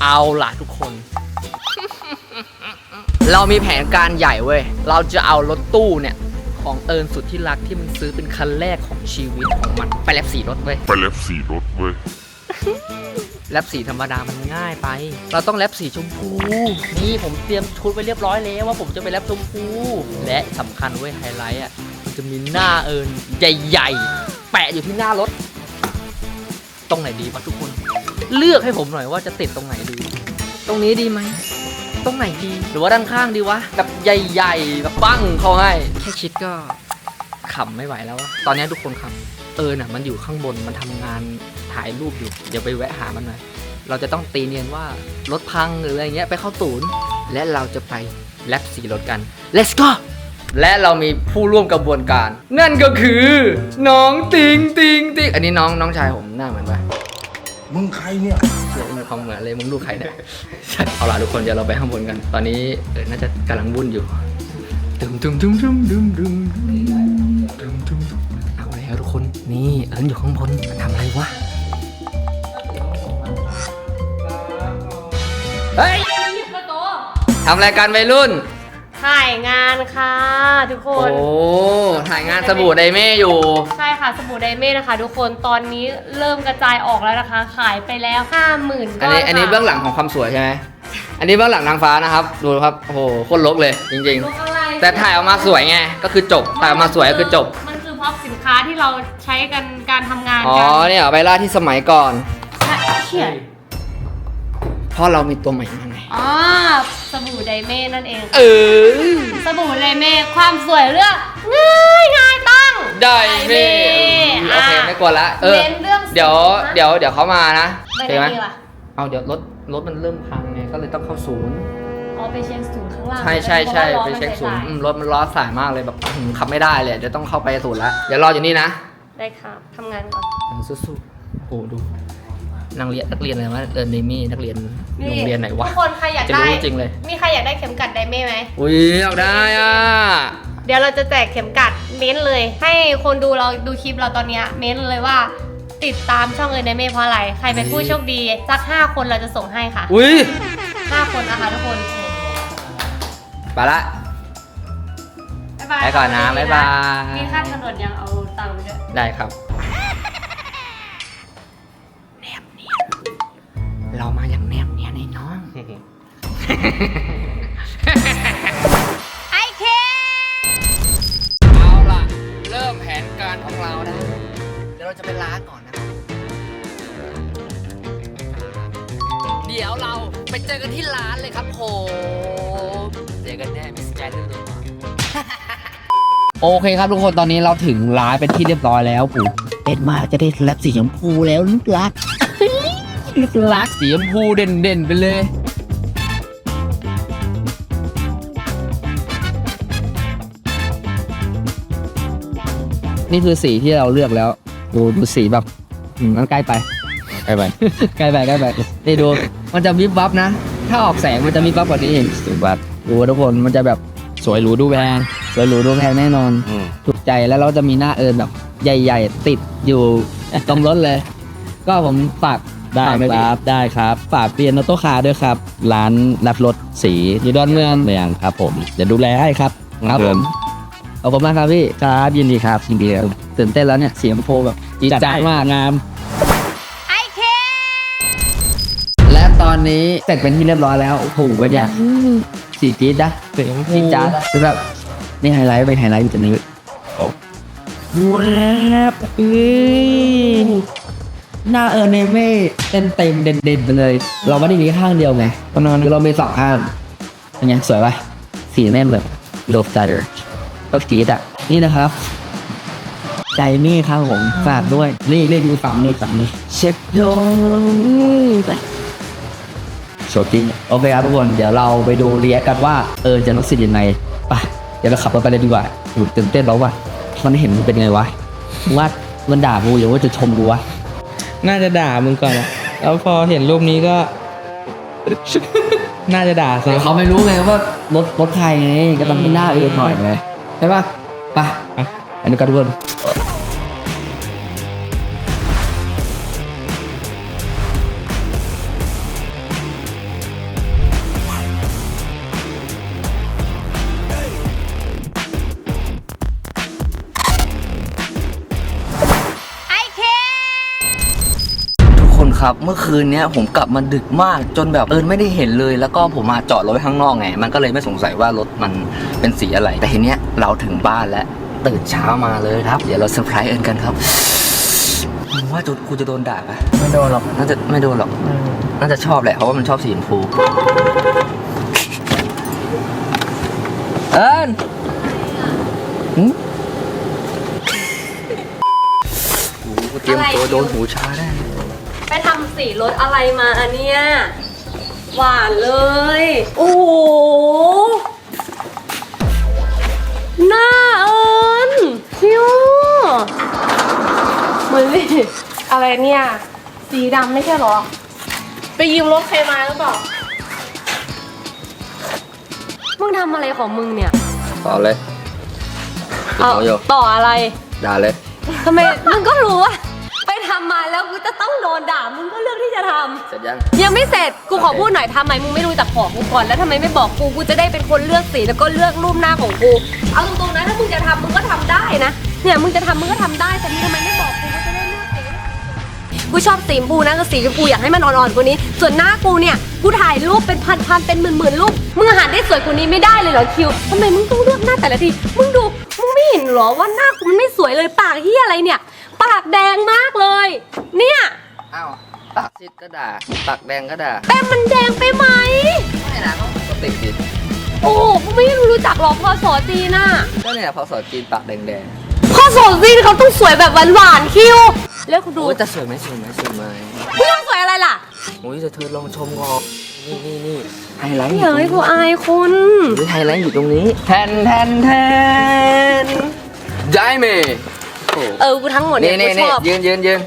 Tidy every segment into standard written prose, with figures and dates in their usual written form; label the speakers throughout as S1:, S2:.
S1: เอาล่ะทุกคน เรามีแผนการใหญ่เว้ยเราจะเอารถตู้เนี่ยของเอิญสุดที่รักที่มันซื้อเป็นคันแรกของชีวิตของมันไปแลบสีรถเว้ยแลบสีธรรมดามันง่ายไปเราต้องแลบสีชมพูนี่ผมเตรียมชุดไว้เรียบร้อยแล้วว่าผมจะไปแลบชมพูและสำคัญเว้ยไฮไลท์อ่ะมันจะมีหน้าเอิญใหญ่ๆแปะอยู่ที่หน้ารถตรงไหนดีวะทุกคนเลือกให้ผมหน่อยว่าจะติดตรงไหนดีตรงนี้ดีไหมตรงไหนดีหรือว่าด้านข้างดีวะแบบใหญ่ๆแบบปั้งเขาให้แค่คิดก็ขำไม่ไหวแล้ววะตอนนี้ทุกคนขำน่ะมันอยู่ข้างบนมันทำงานถ่ายรูปอยู่เดี๋ยวไปแวะหามันหน่อยเราจะต้องตีเนียนว่ารถพังหรืออะไรเงี้ยไปเข้าศูนย์และเราจะไปแลบสีรถกัน let's go และเรามีผู้ร่วมกระบวนการนั่นก็คือน้องติงอันนี้น้องชายผมหน้าเหมือนปะ
S2: มึงใครเนี่ย
S1: มีความเหมือนเลยมึงลูกใครเนี่ยเอาล่ะทุกคนเดี๋ยวเราไปข้างบนกันตอนนี้น่าจะกำลังวุ่นอยู่เอาแล้วทุกคนนี่เอิญอยู่ข้างบนมันทำอะไรวะเฮ้ยทำรายการวัยรุ่น
S3: ถ่ายงานค่ะทุกคน
S1: โอ้ถ่ายงานสบู่ไดเม่อยู่
S3: ใช่ค่ะสบู่ไดเม่นะคะทุกคนตอนนี้เริ่มกระจายออกแล้วนะคะขายไปแล้ว 50,000 ก้อน
S1: อันนี้เบื้องหลังของความสวยใช่ไหมอันนี้เบื้องหลังนางฟ้านะครับดูครับโอ้โหโคตรลกเลยจริงๆแต่ถ่ายออกมาสวยไงก็คือจบถ่ายออกมาสวยก็คือจบ
S3: มันคือพร็อพสินค้าที่เราใช้กันการทำงาน
S1: อ๋อเนี่ยเอาไปล่าที่สมัยก่อน
S3: เขียน
S1: เพราะเรามีตัวใหม่มาไง
S3: สบู่ไดเม่นั่นเอง
S1: ส
S3: บู่ไดเม่ความสวยเรื่องง่ายต้อง
S1: ไดเม่โอเคไม่กลัวละเดี๋ยวเขามานะ
S3: ใช่ไหม
S1: เอาเดี๋ยวรถมันเริ่มพังไงก็เลยต้องเข้าศูนย์
S3: ไปเช็คศูนย์ข้างล่าง
S1: ใช่ไปเช็คศูนย์รถมันล้อสายมากเลยแบบขับไม่ได้เลยเดี๋ยวต้องเข้าไปศูนย์แล้วเดี๋ยวรออยู่นี่นะ
S3: ได้ครับทำงานก่อน
S1: สู้ๆโอ้ดูนักเรียนอะไรวะเดมี่นักเรียนโรงเรียนไหนวะ
S3: ทุกคนใครอยากได้
S1: จริงเลย
S3: มีใครอยากได้เข็มกัดไดเม่ไหม
S1: อุ้ยอยากได้
S3: เดี๋ยวเราจะแจกเข็มกัดเม้นเลยให้คนดูเราดูคลิปเราตอนนี้เม้นเลยว่าติดตามช่องไดเม่เพราะอะไรใครเป็นผู้โชคดีสัก5 คนเราจะส่งให้ค่ะ
S1: อุ้ย
S3: 5 คนนะคะทุกคน
S1: ไปละไปก่อนนะบ๊ายบาย
S3: มีค่าถนนยังเอาตังค์ไปด้วย
S1: ได้ครับเรามาอย่างแนบเนียนไอ้น้อง
S3: ไอเค
S1: เอาล่ะเริ่มแผนการของเรานะเดี๋ยวเราจะไปล้างก่อนนะเดี๋ยวเราไปเจอกันที่ร้านเลยครับผมเจอกันแน่มิสแกนเรื่องเลยโอเคครับทุกคนตอนนี้เราถึงร้านเป็นที่เรียบร้อยแล้วปู่เด็ดมากจะได้แลบสีชมพูแล้วลูกรักสีชมพูเด่นไปเลยนี่คือสีที่เราเลือกแล้วดูสีแบบมันใกล้ไปนี่ดูมันจะวิบวับนะถ้าออกแสงมันจะวิบวับกว่านี้เองสุดวับดูทุกคนมันจะแบบสวยหรูดูแพงแน่นอนถูกใจแล้วเราจะมีหน้าแบบใหญ่ๆติดอยู่ตรงรถเลยก็ผมฝากได้ครับฝากเปลี่ยนออโต้คาร์ด้วยครับร้านรับรถสีอยู่ดอนเมืองครับผมจะดูแลให้ครับผมขอบคุณมากครับพี่ครับยินดีครับตื่นเต้นแล้วเนี่ยเสียงโพแบบจี๊ดจ๊าดมากงาม
S3: ไอเค
S1: และตอนนี้เสร็จเป็นที่เรียบร้อยแล้วโอ้โหเป็นอย่างสีจี๊ดนะเสียงจี๊ดจ๊าดคือแบบนี่ไฮไลท์อยู่ตรงนี้ว้าวหน้าเนเม่เต็มเด่นไปเลยเราไม่ได้มีข้างเดียวไงตอนนั้นเรามี2 ข้างเป็นไงสวยป่ะสีแม่แบบโลฟตัดก็จี๊ดนี่นะครับใจนี่ครับผมฝากด้วยนี่ดูฝั่งนี้เช็คโดโชว์จริงโอเคครับทุกคนเดี๋ยวเราไปดูเรียกกันว่าจะรู้สึกยังไงไปเดี๋ยวเราขับรถไปเลยดีกว่าตื่นเต้นแล้วว่ะมันเห็นมันเป็นไงวะว่ามันด่ากูหรือว่าจะชมกูวะ
S4: น่าจะด่ามึงก่อนนะแล้วพอเห็นรูปนี้ก็ น่าจะด่า
S1: แต่เขาไม่รู้ไงว่ารถใครไงก็ต้องให้หน้าหน่อยไงใช่ป่ะไปอันนี้ก็ทุกคนครับเมื่อคืนเนี้ยผมกลับมาดึกมากจนแบบไม่ได้เห็นเลยแล้วก็ผมมาจอดรถไว้ข้างนอกไงมันก็เลยไม่สงสัยว่ารถมันเป็นสีอะไรแต่ทีเนี้ยเราถึงบ้านแล้วตื่นเช้ามาเลยครับเดี๋ยวเราเซอร์ไพรส์เอิญกันครับมึงว่ากูจะโดนด่าปะ
S4: ไม่โดนหรอก
S1: น่าจะไม่โดนหรอกน่าจะชอบแหละเพราะว่ามันชอบสีชมพูเอิญกูเตรียมตัวโดนหูชาได้
S3: ไปทำสีรถอะไรมาเนี่ยหวานเลย โอ้โหหน้าเอิญคิวเหมือนเลยอะไรเนี่ย สีดำไม่ใช่เหรอ ไปยืมรถใครมาหรือเปล่า มึงทำอะไรของมึงเนี่ย
S1: ต่อเลย
S3: เอา
S1: ต่ออยู่
S3: ต่ออะไร
S1: ด่าเลย
S3: ทำไม มึงก็รู้ว่าไปทำมาแล้วกูจะต้องโดนด่า มึงก็เลือกที่จะทำ
S1: เสร็จยัง
S3: ยังไม่เสร็จ กูขอพูดหน่อยทำไมมึงไม่รู้จักของกูก่อนแล้วทำไมไม่บอกกู กูจะได้เป็นคนเลือกสีแล้วก็เลือกรูปหน้าของกู เอาตรงๆนะถ้ามึงจะทำมึงก็ทำได้นะ เนี่ยมึงจะทำมึงก็ทำได้แต่มึงทำไมไม่บอกกูก็จะได้เลือกสีกูชอบสีชมพูนะก็สีชมพูอยากให้มันอ่อนๆกว่านี้ ส่วนหน้ากูเนี่ย กูถ่ายรูปเป็นพันๆเป็นหมื่นๆรูป มึงหาได้สวยกว่านี้ไม่ได้เลยเหรอคิวทำไมมึงต้องเลือกหน้าแต่ละที มึงดู มึงไม่เห็นเหรอว่าหน้ากูมันไม่สวยเลยปากเหียอะไรเนี่ย ปากแดงมากเลย เนี่ย
S1: อ้าวปากซีดก็ด่าปากแดงก็ด่า
S3: แป้งมันแดงไปไหม
S1: ไม่นะเขาปกติดิ
S3: โอ้กูไม่รู้จักหรอกพอสอจีนน่ะ
S1: ก็เนี่ยพอสอนจีนปากแดง
S3: พอสอจีนเขาต้องสวยแบบหวานๆคิวแล้วคุณ
S1: ๆ
S3: ดู
S1: โอ้ยจะสวยไหมสวยไหมสวยไหม
S3: มึงต้องสวยอะไรล่ะ
S1: โอ้ยจะเธอลองชมก่อนนี่ไฮไลท์
S3: อย่าให้กูอายคุณ
S1: นี่ไฮไลท์อยู่ตรงนี้แทนได้เมย์โอ้
S3: กูทั้งหมดเนี่ย
S1: นี่
S3: กูชอบ
S1: ยืน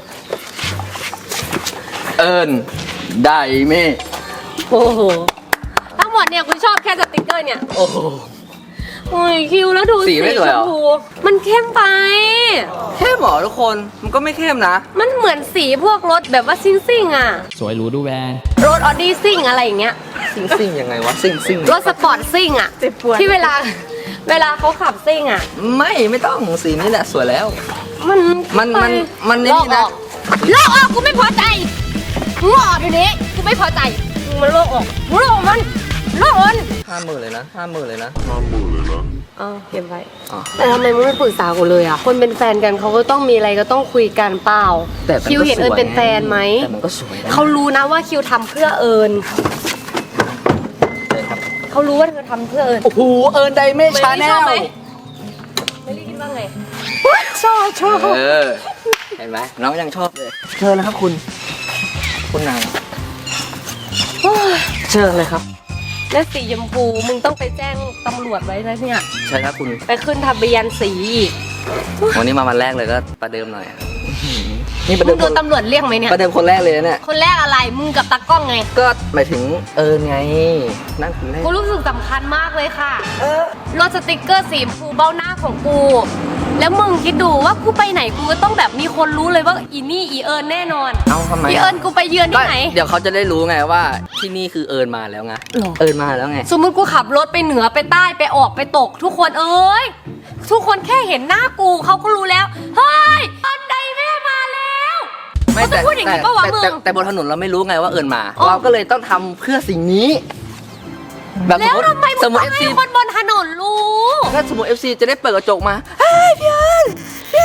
S1: เอิญได้เมย์
S3: โอ้โหทั้งหมดเนี่ยกูชอบแค่สติกเกอร์เนี่ย
S1: โอ้โห
S3: โอ้ยคิวแล้วดู
S1: สีไม่สวยเหรอ
S3: ชมพูมันเข้มไป
S1: เข้มเหรอทุกคนมันก็ไม่เข้มนะ
S3: มันเหมือนสีพวกรถแบบว่าซิ่งๆอ่ะ
S4: สวยหรูดูแวน
S3: รถออดี้ซิ่งอะไรอย่างเงี้ย
S1: ซิ่งยังไงวะซิ่ง
S3: รถสปอร์ตซิ่งอ่ะที่เวลาเขาขับซิ่งอ่ะ
S1: ไม่ต้องสีนี้แหละสวยแล้ว
S3: มัน
S1: มันนี่นะ
S3: ลอกออกกูไม่พอใจมึงออกเดี๋ยวนี้กูไม่พอใจมึงมันลอกออกมึงลอกมัน
S1: 50,000เลยนะ50,000เลยนะ
S3: เก็บไว้
S1: อ๋อ
S3: แต่ทำไมมึงไม่ปรึกษากูเลยอ่ะคนเป็นแฟนกันเขาก็ต้องมีอะไรก็ต้องคุยกันเปล่า
S1: แต่มันก็
S3: คิวเห็นเอิญเป็นแฟนไหม
S1: แต่มันก็สวยนะ
S3: เขารู้นะว่าคิวทำเพื่อเอิญ
S1: เลยครับ
S3: เขารู้ว่าเธอทำเพื่อเอิญ
S1: โอ้โหเอิญไดเมชาแน
S3: ชอบ
S1: ล
S3: ไหมไม่รีคิดว่าไงชอบ
S1: เห็นไหมน้องยังชอบเลยเชิญนะครับคุณนางเชิญเลยครับ
S3: แล้วสีชมพูมึงต้องไปแจ้งตำรวจไว้นะเนี่ย
S1: ใช่ครับคุณ
S3: ไปขึ้นทะเบียนสีอีก
S1: วันนี้มาวันแรกเลยก็ประเดิมหน่อยนี่ประ
S3: มึ
S1: เดิ
S3: ง
S1: ม
S3: โดนตำรวจเรียกไหมเนี่ย
S1: ประเดิมคนแรกเลยนะเนี่ย
S3: คนแรกอะไรมึงกับตากล้องไง
S1: ก็หมายถึงเอิญไงนั่นคนแรก
S3: กูรู้สึกสำคัญมากเลยค่ะรถสติกเกอร์สีชมพูเบ้าหน้าของกู แล้วมึงคิดดูว่ากูไปไหนกูก็ต้องแบบมีคนรู้เลยว่าอีนี่อีเอิญแน่นอน
S1: เอาทำไม
S3: อีเอิญกูไปเยือนที่ไหน
S1: เดี๋ยวเขาจะได้รู้ไงว่าที่นี่คือเอิญมาแล้วไง
S3: หรอ
S1: เอิญมาแล้วไง
S3: สมมติกูขับรถไปเหนือไปใต้ไปออกไปตก ทุกคนเอ้ยทุกคนแค่เห็นหน้ากูเขาก็รู้แล้วเฮ้ยตอนใดแม่มาแล้วเขาจะพูดอย่างนี้ปะวะมึง
S1: แต่บนถนนเราไม่รู้ไงว่าเอิญมา
S3: อ๋อ
S1: เราก็เลยต้องทำเพื่อสิ่งนี้ แบบ
S3: แล้วทำไมมึ
S1: ส
S3: ง
S1: มม
S3: ต้อ
S1: ติ
S3: งให้
S1: FC
S3: คนบนถนนรู้
S1: ถ้าสมมติ FC จะได้เปิดกระจกมาเฮ้ยพี่เอิญ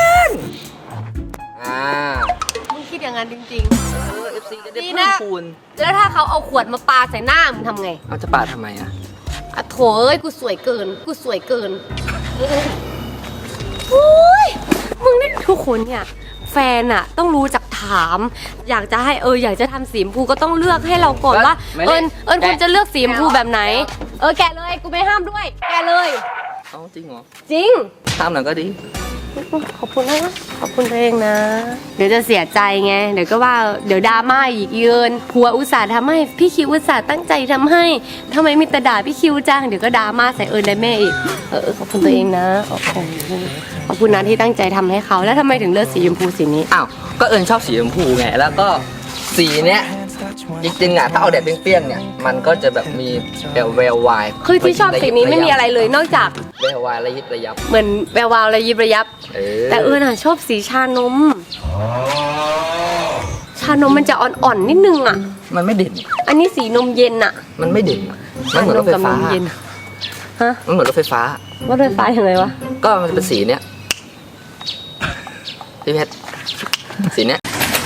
S3: มึงคิดอย่างนั้นจริง
S1: FC จะได้
S3: ดี
S1: เพิ่
S3: นะ
S1: มคูณ
S3: ๆ แล้วถ้าเขาเอาขวดมาปาใส่หน้ามึงทำไง
S1: เอาจะปาดทำไมอ่ะ
S3: อะโถเอ้ยกูสวยเกินโอ้ยมึงนี่ทุกคนเนี่ยแฟนอะต้องรู้จักถาม อยากจะให้อยากจะทำสีชมพูก็ต้องเลือกให้เราก่อนว่า
S1: ไม่
S3: เอิ
S1: เล่
S3: ญ
S1: น
S3: คุณจะเลือกสีชมพูแบบไหน แกะเลยกูไม่ห้ามด้วย แกะเลย
S1: เอาจริงเหรอ
S3: จริง
S1: ห้ามหน่อยก็ดี
S3: ขอบคุณนะขอบคุณตัวเองนะ เดี๋ยวจะเสียใจไง เดี๋ยวก็ว่าเดี๋ยวดราม่าอีกเยินผัวอุตส่าห์ทำให้พี่คิวอุตส่าห์ตั้งใจทำให้ทำไมมีแต่ด่าพี่คิวจังเดี๋ยวก็ดราม่าใส่ได้แม่อีกขอบคุณตัวเองนะขอบคุณนะที่ตั้งใจทำให้เขาแล้วทำไมถึงเลือกสีชมพูสีนี้
S1: อ้าว ก็เอิญชอบสีชมพูไง แล้วก็สีเนี้ยจริงๆอ่ะถ้าเอาแดดเปรี้ยงๆเนี่ย มันก็จะแบบมีแวววาย
S3: คือที่ชอบสีนี้ไม่มีอะไรเลยนอกจาก
S1: แวววายระยิบระยับ
S3: เหมือนแวววาวระยิบระยับ แต่น่ะชอบสีชานม ชาานมมันจะอ่อนๆนิดนึงอ่ะ
S2: มันไม่เด่น
S3: อันนี้สีนมเย็นอ่ะ
S2: มันไม่เด่นมันเหมือนรถไฟฟ้า
S3: ชานมกับนมเย็นฮะ
S2: มันเหมือนรถไฟฟ้า
S3: ว่ารถไฟฟ้าอย่างไรวะ
S2: ก็มันจะเป็นสีเนี้ยพี่เพชรสีเนี้ย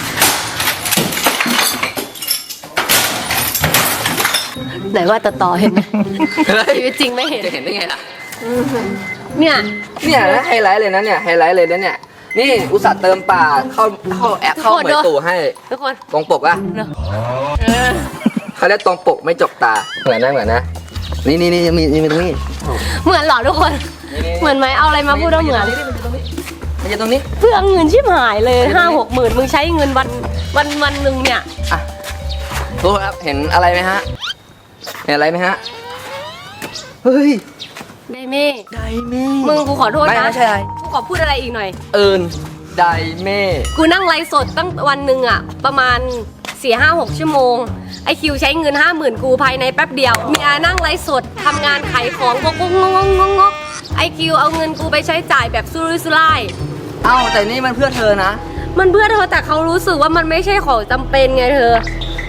S3: ไหนว่าต่อเห็นไหมชีวิตจริงไม่เห็น
S2: จะเห็นได้ไงล่ะ
S3: เนี่ย
S2: เนี่ยนะไฮไลท์เลยนะเนี่ยไฮไลท์เลยนะเนี่ยนี่อุตส่าห์เติมป่าเข้าแอปเข้าเหมยตู่ให้
S3: ทุกคน
S2: ตรงปกอะ
S3: เนอะ
S2: เขาเรียกตรงปกไม่จกตาเหมือนนะนี่มีตรงนี้
S3: เหมือนเหรอทุกคน เหมือนไหมเอาอะไรมาพูดว่าเหมือน
S2: มันจะตรงนี้
S3: เพื่อเงินชิบหายเลย5-6 หมื่นมึงใช้เงินวันหนึ่งเนี่ย
S2: อ่ะทุกคนครับเห็นอะไรไหมฮะเห็นอะไรไหมฮะเฮ้ย
S3: ไดเม่
S2: ไดเม่
S3: มึงกูขอโทษนะ
S2: ไม่ใช่อะไร
S3: กูขอพูดอะไรอีกหน่อย
S2: เอิญไดเม่
S3: กูนั่งไลฟ์สดตั้งวันหนึ่งอะประมาณ4-5-6 ชั่วโมงไอคิวใช้เงิน 50,000กูภายในแป๊บเดียวมีอานั่งไลฟ์สดทำงานขายของงกไอคิวเอาเงินกูไปใช้จ่ายแบบสุรุ่ยสุร่าย
S2: เอ้าแต่นี่มันเพื่อเธอนะ
S3: มันเพื่อเธอแต่เขารู้สึกว่ามันไม่ใช่ของจำเป็นไงเธอง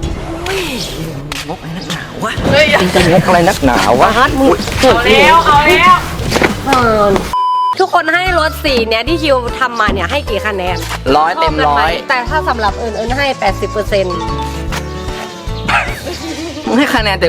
S2: กอะไรนักหนาวะเฮ้ยจะงกอะไรนักหนาวะ
S3: ฮัทมึงเอาแล้วทุกคนให้รถสีเนี้ยที่คิวทำมาเนี่ยให้กี่คะแนน
S2: 100 เต็ม
S3: ชบกันไห
S2: 100
S3: แต่ถ้าสำหรับเอิญให้ 80%
S2: มึงให้คะแนนเต็ม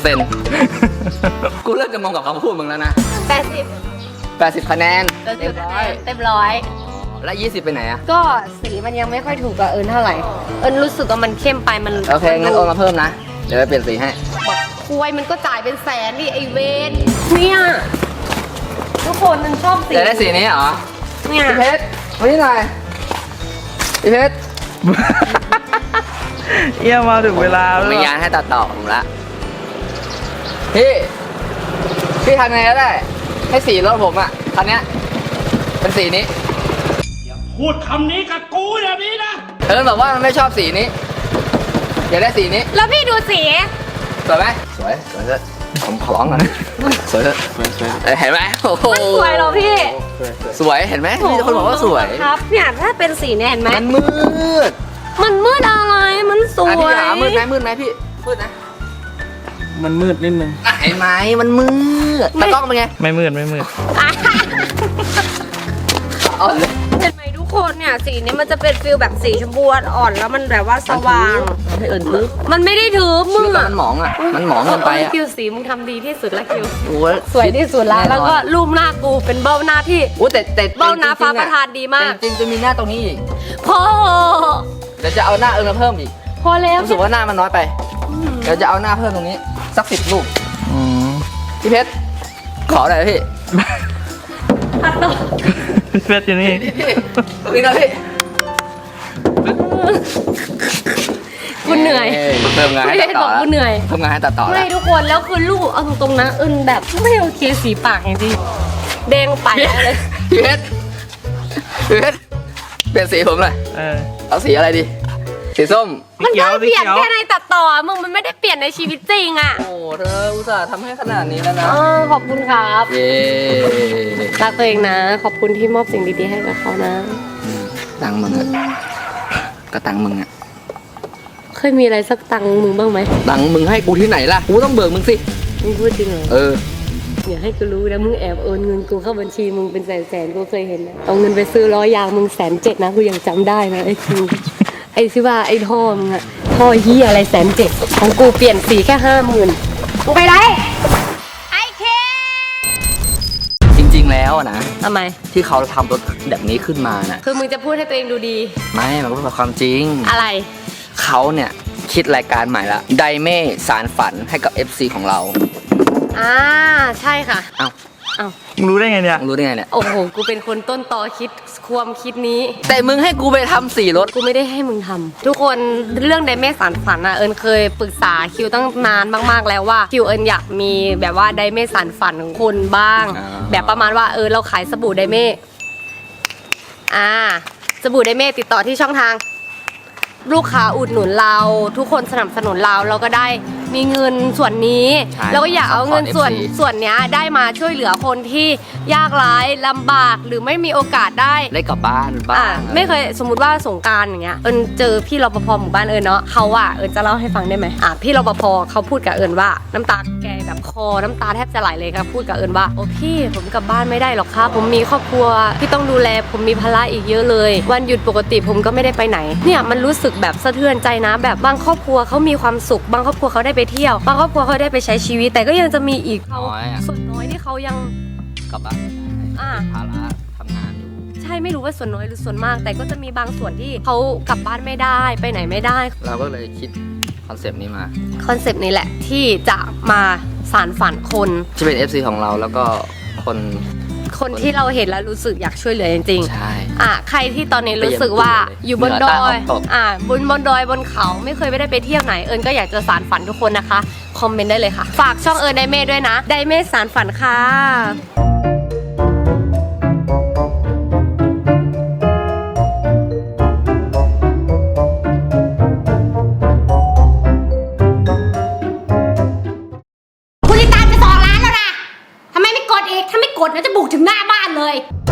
S2: 80% กูเริ่มจะมองกับคำพูดมึงแล้วนะ
S3: 80
S2: 80 คะแนนเต็มร้อย
S3: เต็มร้อย
S2: แล้ว20 ไปไหนอะ
S3: ก็สีมันยังไม่ค่อยถูกกับเอิญเท่าไหร่ เอิญรู้สึกว่ามันเข้มไปมัน
S2: โอเคงั้นโอนมาเพิ่มนะ เดี๋ยวไปเปลี่ยนสีให้
S3: คุยมันก็จ่ายเป็นแสนดิไอเวนเนี่ยทุกคนมันชอบสี
S2: จะได้สีนี้เหรอ
S3: เนี่ย
S2: พี่เพชรมานี่หน่อยพี่เพชร
S4: เยี่ยมมาถึงเวลา
S2: ผม
S4: แล้ว
S2: มีงานให้ตัดต่อผมละพี่ทำไงก็ได้ ให้สีรถผมอะคันเนี้ยเป็นสีนี้
S5: พูดคำนี้กับกูแบบนี้นะ
S2: เอิญบอกว่ามันไม่ชอบสีนี้ อยากได้สีนี้
S3: แล้วพี่ดูสี
S2: สวยไหมสวยเถอะผมขอร้องก่อนนะสวยเถอะเห็นไหมโอ้โห
S3: มันสวยเหรอพี่
S2: สวยเห็นไหมมีแต่คนบอกว่าสวย
S3: ครับเนี่ยถ้าเป็นสีเนี่ยเห็นไหม
S2: มันมืด
S3: มันมืดอะไรมันสว
S2: อ่ะพี่
S3: ย
S2: หามืดไหมพี่มืดนะ
S4: มันมืดนิดนึง
S2: อ่ะเห็นไหมมันมืดตากล้องเป็นไง
S4: ไม่มืด
S3: อ่ะ
S2: อ่อนเลย
S3: เห็นไหมทุกคนเนี่ยสีนี้มันจะเป็นฟิลแบบสีชมพูอ่อนแล้วมันแบบว่าสว่าง
S2: ให้เอิญทึบ
S3: มันไม่ได้ถือ
S2: ชี
S3: มึ
S2: วิ
S3: ง
S2: ตเรา
S3: อะ
S2: มันหมองอ่ะมันหมองเกินไปอ่ะ
S3: คิวสีมึงทำดีที่สุดละคิว
S2: โอ้ย
S3: สวยที่สุดละ
S2: น่นอน
S3: แล้วก็รูปหน้ากูเป็นเบ้าหน้าที่
S2: โอ้แต่
S3: เบ้าหน้าฟ้าประทานดีมาก
S2: จริงๆจะมีหน้าตรงนี้อีก
S3: พอ
S2: เดี๋ยวจะเอาหน้าเอิญมาเพิ่มอีก
S3: พอแล้ว
S2: รู้สึกว่าหน้ามันน้อยไปเดี๋ยวจะเอาหน้าเพิ่มตรงนี้สัก10 รูปพี่เพชรขอหน่อยนะพี่
S3: ตัดต่อ
S4: เพชรอยู่นี่
S2: พี่ตรงนี้นะพี่
S3: กูเหนื่อย
S2: เพิ่มงานให้
S3: ไม่
S2: ตั
S3: ได้
S2: ด
S3: บ
S2: ต่
S3: อ
S2: อก แล้ว
S3: กูเหนื่อย
S2: เพิ่มงานให้ตัดต่อแล้
S3: ไม่
S2: ว
S3: ทุกคนแล้วคือลูกเอาตรงๆนะเอิญแบบไม่โอเคสีปากจริงๆแดงไปเลย
S2: พี่เพชรเปลี่ยนสีผมเลย
S4: เออ
S2: เอาสีอะไรดี สีส้ม
S3: มันได้เปลี่ยน
S4: สีเขียว
S3: แค่ในตัดต่อมึงมันไม่ได้เปลี่ยนในชีวิตจริงอ่ะ
S2: โอ้เธออุตส่าห์ทำให้ขนาดนี้แล้วนะ
S3: ขอบคุณครับ
S2: เย้
S3: รักตัวเองนะ ขอบคุณที่มอบสิ่งดีๆให้กับเขานะ
S2: ตังค์มึงอะก็ตังค์มึงอะ
S3: เคยมีอะไรสักตังค์มึงบ้างไหม
S2: ตังค์มึงให้กูที่ไหนล่ะ กูต้องเบิกมึงสิ
S3: มึงพูดจริงเหรอ
S2: เออ
S3: อย่าให้กูรู้นะมึงแอบโอนเงินกูเข้าบัญชีมึงเป็นแสนๆกูเคยเห็นนะเอาเงินไปซื้อล้อยางมึง107,000นะกูยังจำได้นะไอ้คิวไอ้ที่ว่าไอ้ท่อมึงอะท่อเฮียอะไร107,000ของกูเปลี่ยนสีแค่50,000มึงไปไหนไอ้เค
S2: จริง ๆ แล้วอะนะ
S3: ทำไม
S2: ที่เขาทำรถแบบนี้ขึ้นมาน่ะ
S3: คือมึงจะพูดให้ตัวเองดูดี
S2: ไม่มันก็เป็นความจริง
S3: อะไร
S2: เขาเนี่ยคิดรายการใหม่ละไดเม่สารฝันให้กับ FC ของเรา
S3: ใช่ค่ะ
S2: เอ้า
S3: เอ้า
S4: มึงรู้ได้ไงเนี่ย
S2: มึงรู้ได้ไงเนี่ย
S3: โอ้โหกูเป็นคนต้นตอคิดความคิดนี้
S2: แต่มึงให้กูไปทำสีรถ
S3: กูไม่ได้ให้มึงทำทุกคนเรื่องไดเม่สารฝันอะเอิญเคยปรึกษาคิวตั้งนานมากๆแล้วว่าคิวเอิญอยากมีแบบว่าไดเม่สารฝันของคนบ้าง
S2: อ่า
S3: แบบประมาณว่าเราขายสบู่ไดเม่สบู่ไดเม่ติดต่อที่ช่องทาง ลูกค้าอุดหนุนเราทุกคนสนับสนุนเราก็ได้มีเงินส่วนนี้
S2: ใช่
S3: แล้วก็อยากเอาเงิน
S2: support FC
S3: ส่วนเนี้ยได้มาช่วยเหลือคนที่ยากไร้ลำบากหรือไม่มีโอกาสได้
S2: ได้กลับบ้านบ้าง
S3: ไม่เคยสมมติว่าสงกรานต์อย่างเงี้ยเอิญเจอพี่รปภหมู่บ้านเอิญเนาะเขาอะเอิญจะเล่าให้ฟังได้ไหมพี่รปภเขาพูดกับเอิญว่าน้ำตาแกแบบคอน้ำตาแทบจะไหลเลยครับพูดกับเอิญว่าโอ้พี่ผมกลับบ้านไม่ได้หรอกครับผมมีครอบครัวที่ต้องดูแลผมมีภาระอีกเยอะเลยวันหยุดปกติผมก็ไม่ได้ไปไหนเนี่ยมันรู้สึกแบบสะเทือนใจนะแบบบางครอบครัวเขามีความสุขบางครอบครัวเขาได้ไปเที่ยวบางครอบครัวเขาได้ไปใช้ชีวิตแต่ก็ยังจะมีอีกเขา
S2: น้อยอะ
S3: ส่วนน้อยที่เขายัง
S2: กลับบ้านไม่ได้
S3: อ่า
S2: ภาระทำงานอยู่
S3: ใช่ไม่รู้ว่าส่วนน้อยหรือส่วนมาก แต่ก็จะมีบางส่วนที่เขากลับบ้านไม่ได้ไปไหนไม่ได้
S2: เราก็เลยคิดคอนเซปต์นี้มา
S3: คอนเซปต์นี้แหละที่จะมาสานฝันคน
S2: ที่เป็น FC ของเราแล้วก็คน
S3: คนที่เราเห็นแล้วรู้สึกอยากช่วยเหลือจริง
S2: ใช่
S3: ใครที่ตอนนี้รู้สึกว่าอยู่บนดอย
S2: เหนือใต้ออกตก
S3: บนดอยบนเขาไม่เคยไม่ได้ไปเที่ยวไหนเอิญก็อยากจะสานฝันทุกคนนะคะคอมเมนต์ได้เลยค่ะฝากช่องเอิญไดเม่ด้วยนะไดเม่สานฝันค่ะ
S6: คุณลิตาจะ2 ล้านแล้วนะ ทำไมไม่กดอีก ถ้าไม่กดนะจะบุกถึงหน้าบ้านเลย